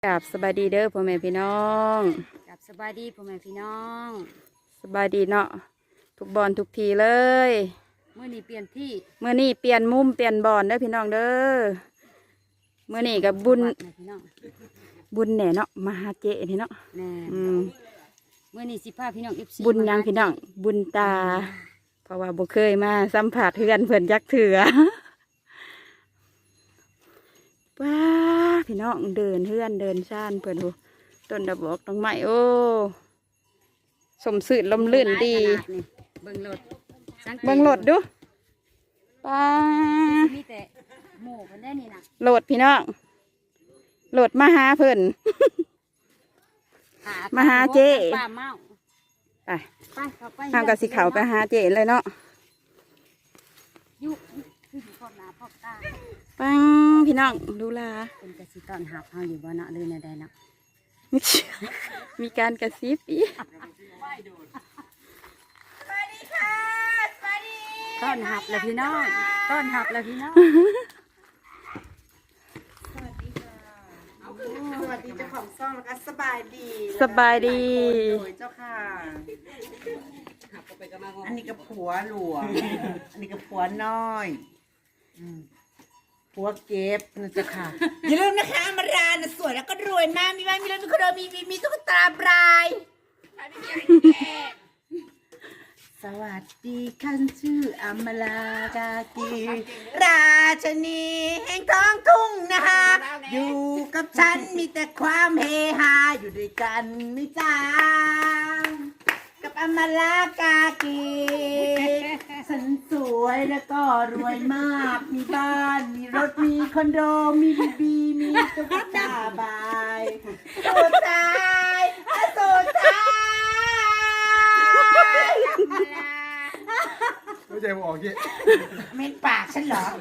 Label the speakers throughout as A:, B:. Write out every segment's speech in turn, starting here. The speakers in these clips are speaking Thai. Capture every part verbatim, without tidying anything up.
A: กับสบายดีเด้อพ่อแม่พี่น้อง
B: กับสบายดีพ่อแม่พี่น้อง
A: สบายดีเนาะทุกบอลทุกทีเลย
B: เมื่อนี้เปลี่ยนที่
A: เมื่อนี้เปลี่ยนมุมเปลี่ยนบอลเด้อพี่น้องเด้อเมื่อนี้กับบุญบุญแหน่เนาะมาหาเจนี่เนาะ
B: แน่เมื่อนี้สิพาพี่น้อง เอฟ ซี
A: บุญยังพี่น้องบุญตาเพราะว่าบ่เคยมาสัมผัสเพื่อนเพื่อนยักเถื่อว้าพี่น้องเดินเพื่อนเดินชานเพื่อนดูต้นดอกบอกต้นไม้โอ้สมสื่อลมลื่นดี
B: เบิ่งรถ
A: เบิ่งรถดูป้า
B: มีแต่หมู่กันได้นี่นะ
A: โหลดพี่น้องโหลดมาหาเพิ่นมาหาเจ๊
B: ป้าเมา
A: ไปทางกับสีขาวไปหาเจ๊เลยเนาะ
B: ยุคือพ่อหน้าพ่อตา
A: ปังพี่น้องดูลา
B: เป็นกระสีตอนหับเฮาอยู่บ่เนาะเลยในใดเนาะ
A: มีการกระซิบอีก
B: ต้อนหับเลยพี่น้องต้อนหับเลยพี่น้อง
C: สวัสดีเจ้าของซ่องแล้วก็สบายดี
A: สบายดี
C: เจ้าค่ะอันนี้กับผัวหลวงอันนี้กับผัวน้อยผัวเก็บนะเจ้าค่ะอย่าลืมนะคะอมรานะสวยแล้วก็รวยมากมีบ้านมีรถมีคอนโดมีมีมีตุ๊กตาบรายสวัสดีคันชื่ออมรากากีราชนีแห่งท้องทุ่งนะคะอยู่กับฉันมีแต่ความเฮฮาอยู่ด้วยกันไม่จางกับอมรากากีฉันสวยแล้วก็รวยมากมีบ้านมีรถมีคอนโดมีบีบีมีตุ๊กตาบายสุดท้ายสุดท้าย
D: ไม่ใจมันออกเยอะ
C: เม้นปากฉันเหรอ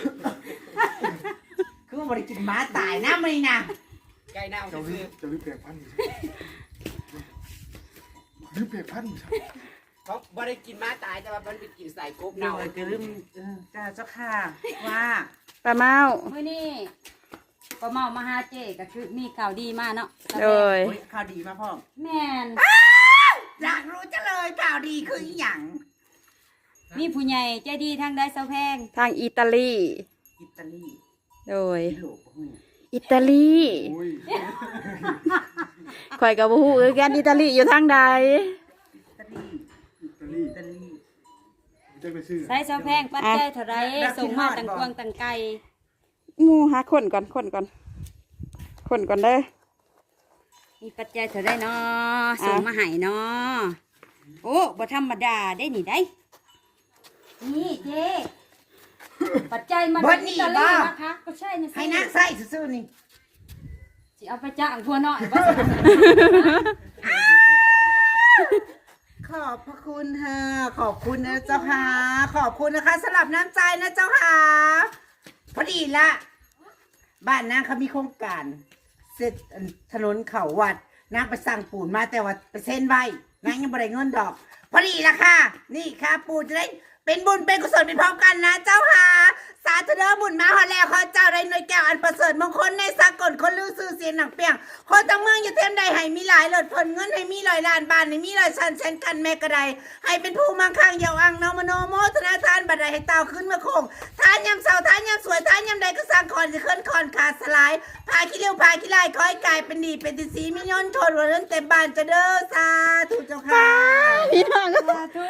C: คือว่าบริกินม้าตายนะไม่นะ
D: ไก่เน่าจะรีบจะรีบเปียกพันธุ์รีบเปียกพันธุ์
E: เขาบริกินม้าตายแต่ว่ามันไปกินใส่กบเน่า
C: เลยก็ลืมจ้าเจ้าค่ะว่า
A: ป้าเมา
B: เมื่อนี้ป้าเมามาหาเจ๊ก็คือมีข่าวดีมาเนาะ
A: เลย
C: ข่าวดีมาพ่อ
B: แม่น
C: อยากรู้จะเลยข่าวดีคืออย่าง
B: มีผู้ใหญ่ใจดีทางได้เสาแพง
A: ทางอิตาลี
C: อิตาลี
A: โดยอิตาลีข่อยกับบูฮูคือกันอิตาลีอยู่ทางใด
C: อิตาลีอิตาลีอิตาลี
B: ใส่เสาแพงปัดใจเท่าไรส่งมาตังกวงตังไก่
A: งูหาคนก่อนคนก่อนคนก่อนเด้อ
B: มีปัจจัยเท่าไรเนาะส่งมาให้เนาะโอ้บ่ธรรมดาได้หนิได้นี่เจ๊ปัจจัยมาจากอิตาลีนะคะก็ใช่นะ
C: ให้นักใส่ซื่อๆนี่
B: สิเอาไปจ้างพัวน้อย
C: ขอบพระคุณค่ะขอบคุณนะเจ้าค่ะขอบคุณนะคะสำหรับน้ำใจนะเจ้าค่ะพอดีละบ้านนางเขามีโครงการเสร็จถนนเขาวัดนางไปสั่งปูนมาแต่ว่าไปเซ็นไว้นางยังไม่ได้เงินดอกพอดีละค่ะนี่ค่ะปูนจะได้เป็นบุญเป็นกุศลเป็นพร้อมกันนะเจ้าค่ะสาธุเด้อบุญมาฮอดแล้วขอเจ้าได้หน่วยแก้วอันประเสริฐมงคลในสากลคนลือซื่อเสียงหนังเปียงคนทั้งเมืองอย่าเทียมใดให้มีหลายเลิศผลเงินให้มีลอยล้านบาทให้มีลอยชันเช่นกันแม่กระไดให้เป็นผู้มั่งคั่งเยาว์อังนมโนโมธนาทานบัดใดให้เต่าขึ้นมาโคงทานยำเสาทานยำสวยทานยำใดก็สร้างคอนจะเคลื่อนคอนขาดสลายพาขี้เลี้ยวพาขี้ไล่คอยกายเป็นดีเป็นติสีมิยนทนวันนั้นเต็มบ้านจะเด้อสาธุเจ้าค่ะ
A: พี่น้อง
C: สาธุ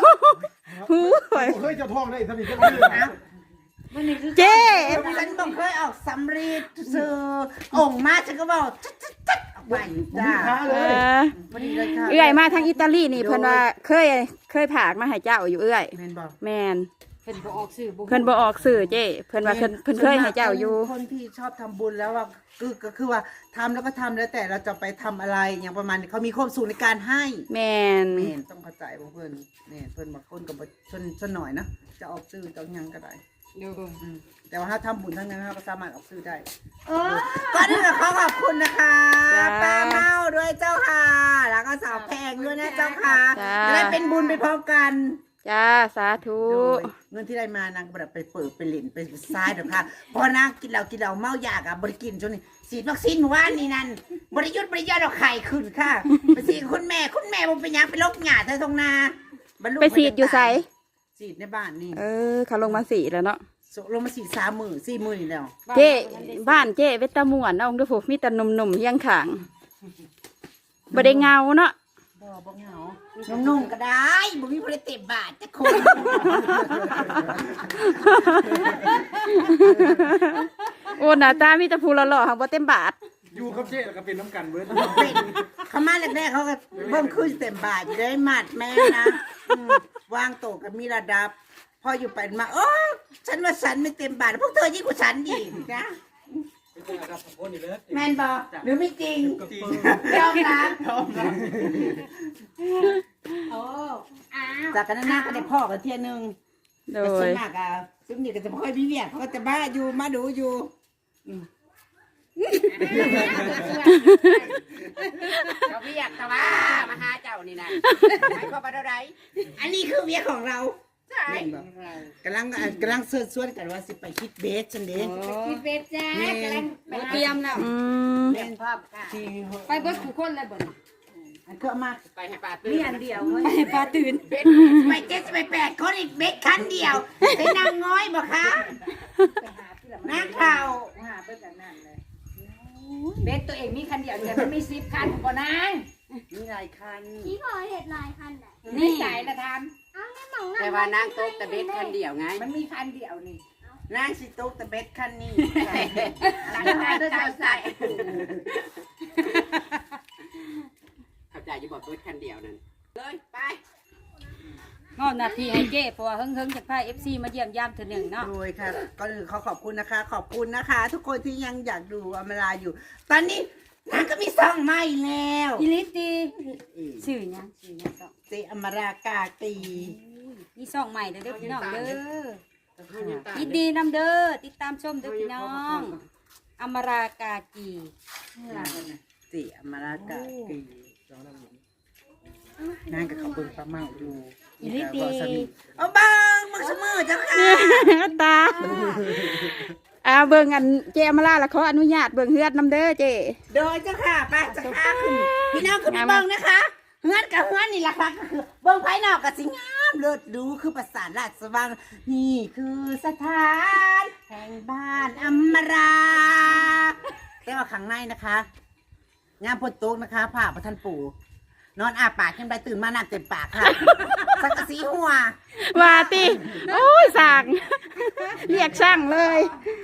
D: เคยจะท่องได้ท่านนี่ก็
C: ไม่
A: เจ๊
C: ฉันบอกเคยออกสำลีซื้อองค์มาฉันก็บอกจัดๆออกไปจ้า
A: เอื้อยมาทางอิตาลีนี่เพิ่นว่าเคยเคยผากมาให้เจ้าอยู่เอื้อย
C: แมนบอก
A: แมน
B: เพิ่นบ่ออกสื่อ
A: เพิ่นบ่ออกสื่อเจ๊เพิ่นว่าเพิ่นเพิ่นเคยให้เจ้าอยู่
C: คนที่ชอบทำบุญแล้วว่าคือก็คือว่าทำแล้วก็ทำแล้วแต่เราจะไปทำอะไรอย่างประมาณนี้เขามีความสุขในการให้
A: แมน
C: แมนต้องเข้าใจเพื่อนแมนเพื่อนบางคนกับชนชนหน่อยนะจะออกสื่อจะยังก็ได้แต่ว่าถ้าทำบุญทั้งนั้นเราก็สามารถออกซื้อได้ก็นี่แหละขอขอบคุณนะคะป้าเมาด้วยเจ้าค่ะแล้วก็สาวแพงด้วยนะเจ้าค่ะจะได้เป็นบุญไปพร้อมกัน
A: จ้าสาธุ
C: โดยเงินที่ได้มานางก็บ่ได้ไปเปิดไปเล่นไปซ้ายดอกค่ะเพอนางกินเหล้ากินเหล้าเมายากอ่ะบ่ได้กินจนนี่ฉีดวัคซีนเมื่อวานนี่นั่นบ่ได้หยุดบ่ได้หย่อนเอาไข่ขึ้นค่ะไปฉีดคุณแม่คุณแม่บ่เป็นหยังไปลกหญ้าเธอทงนาบรรลุ
A: ไปสีดอยู่ไส
C: ฉีดในบ้านนี่
A: เออเขาลงมาสีแล้วเนาะ
C: ลงมาฉีดสามมื้อสี่มื้อนี่แล้ว
A: เจ้บ้านเจ้เวตาม่วนเอาเด้อพวกมีแต่หนุ่มๆเฮียงขางบ่ได้เงาเนาะ
C: บ่บ่เหงานุ่งๆก็ได้บ่มีบ่ได้เต็มบาทจักคน
A: โอ้หน้าตามีแต่ผู้หล่อๆหังบ่เต็มบาท
D: อยู่กับเจ๊แล้วก็เป็นน้ำกันเบิร์ด
C: เป็นเขามาแรกๆเขาก็เบิ่งขึ้นเต็มบาทอยู่ได้มัดแม่นะอืมวางโต๊ะก็มีระดับ พออยู่ไปมาโอ้ฉันว่าฉันไม่เต็มบาทพวกเธอยิ่งกว่าฉันอีกนะแมนบอกหรือไม่จริงยอมรับโอ้จากกันหน้าก็ได้พ่อกันเที่ยนึง
A: โด
C: แต่ส่วย นมากอ่ะซึ่งนี่ก็จะไม่ค่อยมีเวียดเขาก็จะบ้าอยู่มาดูอยู่อืม
E: เขาเรียกแต่ว่ามาหาเจ้านี่นะให้เขาไปเท่าไร
C: อันนี้คือเวียของเรา
E: ใช่
C: กำลังอ่ะกำลังเสิร์ชสวนกันว่าสิไปคิดเบสฉันเด้
B: คิดเวทจ้า
C: แม่
B: กำลังไปเตรียมแล้ว
A: อืม
C: แม่น
B: พร้อมค่ะ
C: ที่
B: ไปเบิดทุกคนเลยเบิด
C: อันก็มา
E: ไปให้ป่าตื่น
B: มีอันเดียวไปปลาตื่น
C: ไปเจ็ดไปแปดคนอีกเบสคันเดียวเป็นนางง้อยบ่คะนักข่าว
B: หาเบิดกันนั่นเลยเบสตัวเองมีคันเดียวแต่มันมีสิบคันบ่นาง
C: มีหลายคัน
F: พี่พอเห็ดลายคันไหน
B: นี่สายละท
F: เอาแม่หมอง
E: แต่ว่านางโต๊ะแต่เบ็ดคันเดียวไง
B: ำมันมีคันเดียวนี่
C: นางสิโต๊ะแต่เบสคันนี้
B: หลังจากนั้นจะใส่
E: เข้าใจอยู่บอกเบ็ดคันเดียวนั่นเลยไป
B: งอนาทีให้เจ้เพราะว่าเฮิงๆจากพา เอฟ ซี มาเยี่ยมยามเทื่อหนึ่งเนาะ
C: โดยค่ะก็คือเขาขอบคุณนะคะ ขอบคุณนะคะ ทุกคนที่ยังอยากดูอมราอยู่ ตอนนี้นางก็มีซองใหม่แล้ว
B: อีลิตดีชื่อหยังชื่อหยังสอง
C: เจอมรากาตี
B: มีซองใหม่เด้อเด้อพี่น้องเด้อยินดีนำเด้อติดตามชมเด้อพี่น้องอมรากากี
C: เจอมรากาตีนางกับเขาเบิ่งปลาเมาอยู่
B: อีลิตดี
C: เอาบ้างมึงเสมอเจ้าค่ะ
A: ตาอ่าเบิ่งอันเจมาลาละขออนุญาตเบิ่งเฮือดนำเด้อเจ
C: โดยเจ้าค่ะไปเจ้าค่ะขึ้นพี่น้องขึ้นไปเบิ่งนะคะเฮือนกับเฮือนนี่แหละค่ะก็คือเบิ่งภายนอกกับสิงามเลิศดูคือประสาทราชสว่างนี่คือสถานแห่งบ้านอมราแต่ว่าข้างในนะคะงามพดโต๊ะนะคะผ้าประทันปู่นอนอาปากขึ้นไปตื่นมาหนักเต็มปากค่ะสังกะสีหัว
A: ว่าติโอ้ยสั่งเรียกช่างเลย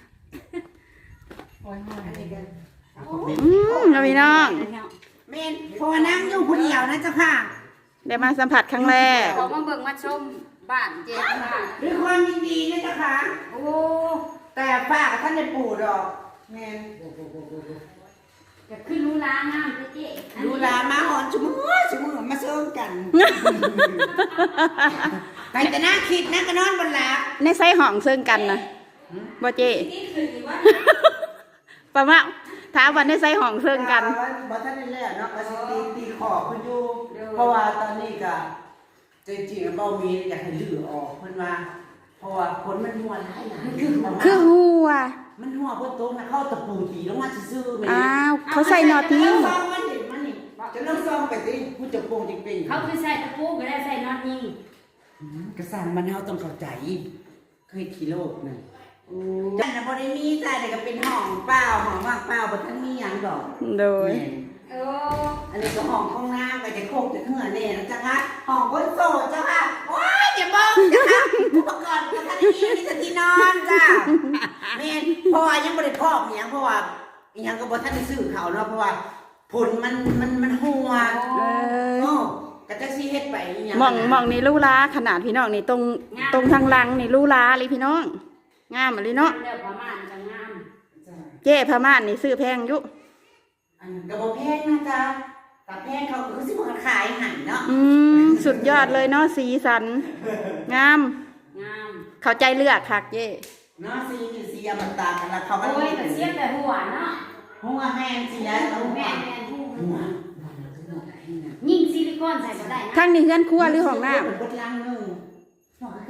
A: อืมเอาพี่น้อง
C: เมนพอนั่งอยู่ผู้เดียวนะเจ้าค่ะ
A: ได้มาสัมผัสครั้งแรก
B: ขอมาเบิ่งมาชมบ้านเจ๊ค่ะ
C: ด้วยความยินดีนะเจ้าค่ะ
B: โอ้
C: แต่ฝากท่านในปู่ดอกเมน
B: จะขึ้นรู้ล้างน้ำเจ๊
C: ดูแลมาหอนชุมือชุมือมาเซิร์ฟกันไปแต่น่าคิดนะก็นอนบนหลับ
A: ในไซห้องซึ่งกันนะบ่เจปะมะท้าวันในไซห้องซึ่งกัน
C: บ่ท่านได้แล้วเนาะก็สิตีตีขอบเพิ่นอยู่เพราะว่าตอนนี้ก็จริงๆบ่มีอยากให้ลื้อออกเพิ่นว่าเพราะว่าผลมันหัวหลายหลาย
A: คือหัว
C: มันหัวเพิ่นโตมาเข้าตะปูตีลงมาซื่อๆแม่
A: อ้าวเขาใส่นอทิ้ง
C: ซองมันนี่มันนี่จะลองซองไปสิผู้จะโปงจริงๆ
B: เขาคือใส่ตะปูก็ได้ใส่นอนยิง
C: กระสันมันเฮาต้องเข้าใจเคยขี่โลกนึงจันน่ะบ่ได้มีแต่ก็เป็นห้องเปล่าห้องว่างเปล่าบ่ทันมีหยังดอก
A: โดย
B: โอ้
C: อันนี้ก็ห้องห้องน้ำก็จะโคกจะเหือแน่นะจ๊ะคะห้องคนโสดเจ้าค่ะโอ้ยอย่าบอกจ้ะค่ะอุปกรณ์บ่ทันมีมีแต่ที่นอนจ้ะแม่นเพราะว่ายังบ่ได้พอกอีหยังเพราะว่าอีหยังก็บ่ทันได้ซื้อเขาเนาะเพราะว่าผลมันมันมันหัว
A: เออ
C: โอ้ก็จะสิเฮ็ดไปอีหยัง
A: หมองหมองนี่ลู่ล้าขนาดพี่น้องนี่ตรงตรงทางหลังนี่ลู่ล้าเลยพี่น้องงามอะไรเนาะ
B: เดี๋ยวประมาณจะงาม
A: เจ๊พม่านนี่ซื้อแพงอยุ
C: อันก็บ่แพงนะจ๊ะแต่แพงเขาก็คือสิบ่ขายให้เนาะ
A: อืมสุดยอดเลยเนาะสีสัน งาม
B: งาม
A: เข้าใจเลือกคักเจ๊
C: เนาะสีนี่สีอมตะกันแล้วเขาก็
B: โอ้ยแต่เสียแต่หัวเนาะ
C: หัวแม่นสิแล้วเอา
B: แม่
C: แม่
B: แม่หู
C: หัว
B: ยิ่งซิลิโคนใส่ก็ได้นะ
A: ข้างนี้เฮือนครัวหรือห้องน้
C: เปิดลังนึง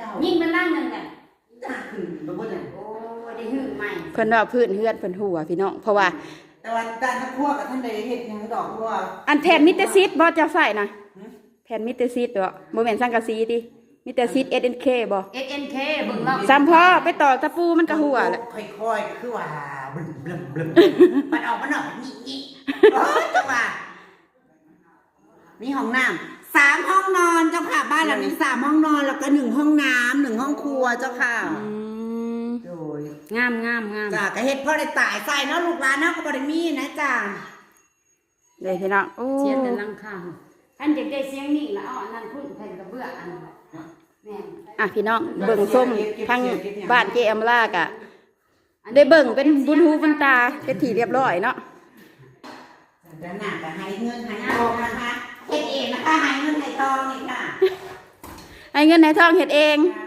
B: ยิ่งมันนั่งนั่นแหละ
C: จ้าขึ้นบ่บ่ได้
B: โอ้ได้หื้อใหม่
A: เพิ่นว่าพื้นเฮือนเพิ่นหัวพี่น้องเพราะว่า
C: แต่ว่าด้านทั้งครัวกับท่านใดเฮ็ดหยังดอกเพราะว่า
A: อันแผ่นมิเตอร์ซีดบ่จะใส่นะแผ่นมิเตอร์ซีดบ่บ่แม่นสังกะสีติมิเตอร์ซีด เอส เอ็น เค บ่
B: เอสเอ็นเคเบิ่งเรา
A: ซ้ำพอไปต่อตะปูมันก็หัวแหละ
C: ค่อยๆก็คือว่าบึ้มบึ้มบึ้มมันออกมันออกนี่นี่โอ้ยจังหวะมีห้องน้ำสามห้องนอนเจ้าค่ะบ้านหลังนี้สามห้องนอนแล้วก็หนึ่งห้องน้ำหนึ่งห้องครัวเจ้าค่ะ
A: อืม
C: โดย
B: งามงามงาม
C: จ้าก็เฮ็ดพ่อได้ตายใส่เนาะลูกหลานเนาะก็บ่ได้มีนะจ้า
A: เด้พี่น้องโอ้
B: เสียแต่ลังคาท่านจะได้เสียงนี่แล้วเอาอันนั้นพุ่นแผ่นกระเบื้องอันนั้นแม่น
A: อ่ะพี่น้องเบิ่งส้มทางบ้านเจอมลากะได้เบิ่งเป็นบุญหูบุญตาเป็นที่เรียบร้อยเนาะ
C: ด้านหน้าก็ให้เงินให้ทองนะคะเฮ็ดเองนะคะให้เงินให้ทองนี่ค่ะ
A: ให้เงินให้ทองเฮ็ดเอง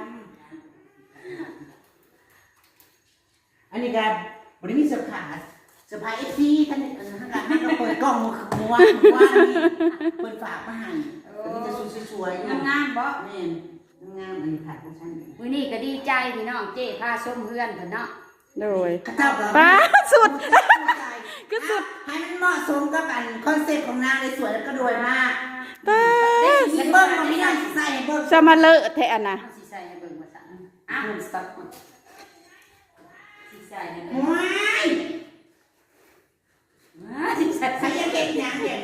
C: อันนี้ก็บริมีเสื้อผ้าเสื้อผ้าเอฟซีท่านนี่ท่านการให้เราเปิดกล้องมัวมัวนี่เปิดฝากมาให้อันนี้จะสวยๆ
B: งามงามๆบ่
C: แม่นงามอันนี้ผัดของฉัน
B: มื้อนี้ก็ดีใจพี่น้องเจ้พาส้มเฮือนเพิ่นเนาะ
A: โดย
C: ข้าเจ้าก็
A: ป้าสุด
C: ก็สุดให้มันเหมาะสมกับอันคอนเซ็ปต์ของนางเลยสวยแล้วก็รวยมาก
A: ป้า
C: เห็นเบิ้งมันไม่ได้ใส่เบิ้ง
A: จะมาเลอะแท้อันน่ะ
B: เอาสิใส่ให้เบิ่งว่าซั่นอ้าวสต๊อกสิใส่ให้เบิ่ง
C: ว้าย
B: อ้าวสิใส่
C: ใส่ยังเก็บยังเก็บ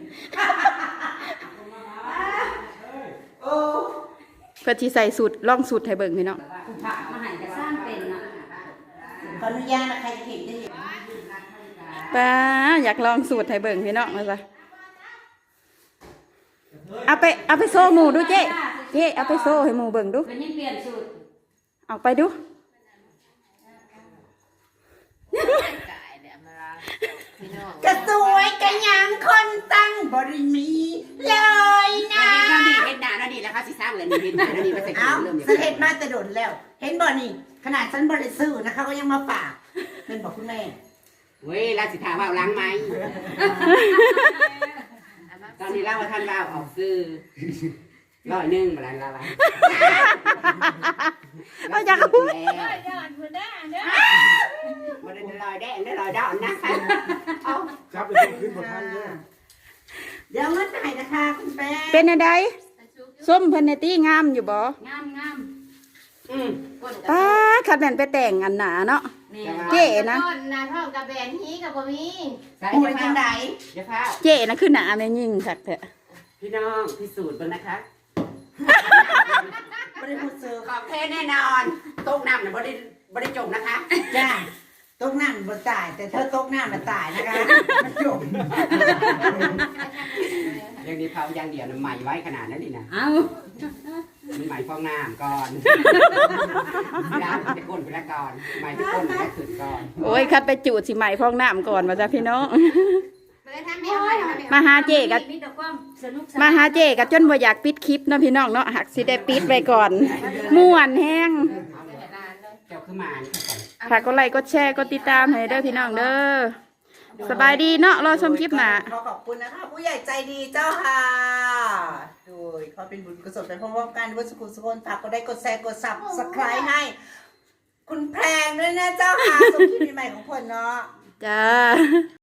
C: โอ้
A: เพื่อที่ใส่สูตรล่องสูตรให้เบิ่งพี่น้อง
B: ผู้พระมาให้ก็สร้างเป็นเนาะ
C: ขออนุญาตนะใครจะเห็นจะเห็น
A: ป้าอยากลองสูตรให้เบิ่งพี่น้องมาซะเอาไปเอาไปโซ่หมูดูเจ๊เจ๊เอาไปโซ่ให้หมูเบิ่งดู
B: เพิ่นยังเปลี่ยนสูตร
A: เอาไปดู
C: กระสวยกระยังคนตั้งบริมีเลยนะ
E: เฮ็ดดีเฮ็ดหน้าแล้วดีแล้วค่ะสิสร้างเลยนี่เฮ็ดหน้าแล้วดีมาใส่
C: เอา
E: เริ่มอย่าง
C: ฉันเห็นมาแต่โดนแล้ว เห็นบ่นี่ขนาดฉันบริสุทธิ์นะคะก็ยังมาฝากเป็นบอกคุณแม่
E: เว้ยแล้วสิถามว่าเอาล้างไหมตอนนี้เล่าว่าท่านเล่าออกซื้อร้อยหนึ่งมาแล้วละละ
A: เอาอยากพูด
E: มาได้ลอยแดงได้ลอยดอนนะคะเอา
D: จับไปส่งขึ้นบนท่านด้วย
C: เดี๋ยวเงินให้นะคะคุณแม่
A: เป็นอะไรส้มเพันในตี้งามอยู่บ่
B: งามงาม
E: อืม
B: ก้น
A: ป้าขัดแม่นไปแต่งอันหนาเนาะ
B: แม่
A: เจ๊นะ
F: ต้นนาท้องกับแบนฮีกับบ่มี
E: ใส่
C: โอ้
E: เดี๋
C: ย
E: ยว
C: จั
E: ข้าง ว
C: ได
E: เดี๋ยวข้าว
A: เจ๊นะคือหนาแม่ยิ่งสักเถอะ
E: พี่น้องพิสูจน์บ้างนะคะ
C: บริสุทธิ์เซอร์
E: ของแท้แน่นอนต้มน้ำเนี่ยบ่ได้บ่ได้จมนะคะ
C: จ้าตกน้ำมันตาย แต่เธอตกน้ำมันตายนะคะมันจบ
E: ยังดีเผาอย่างเดียวนะใหม่ไว้ขนาดนั้นนี่นะ
B: เอา
E: มีใหม่ฟองน้ำก่อนล้างไปก้นไปแล้วก่อนใหม่ไปก้นไปแล้วขึ้นก่อน
A: โอ้ยคัดไปจูดสิใหม่ฟองน้ำก่อนมาจ้ะพี่น้อง
F: เลยทำไม่เอาไม่เอาไม่เอา
A: มาหาเจ๊กับ
B: มีแต่ความสนุกสนน
A: มาหาเจ๊กับจนบ่อยากปิดคลิปเนาะพี่น้องเนาะหักสิได้ปิดไว้ก่อนม่วนแห้ง
E: เจ้าขึ้นมานี่ค่ะ
A: ฝากกดไลค์กดแชร์กดติดตามให้เด้อพี่น้องเด้อสบายดีเนาะรอชมคลิปหน้า
C: ขอขอบคุณนะคะ ผู้ใหญ่ใจดีเจ้าค่ะ โดยขอเป็นบุญกุศลไปพร้อมๆกันด้วยสุขุมสุขนฝากกดได้กดแชร์กดซับสไครต์ให้ คุณแพงด้วยนะเจ้าค่ะส่งคลิปใหม่ๆของคนเนาะ
A: จ้า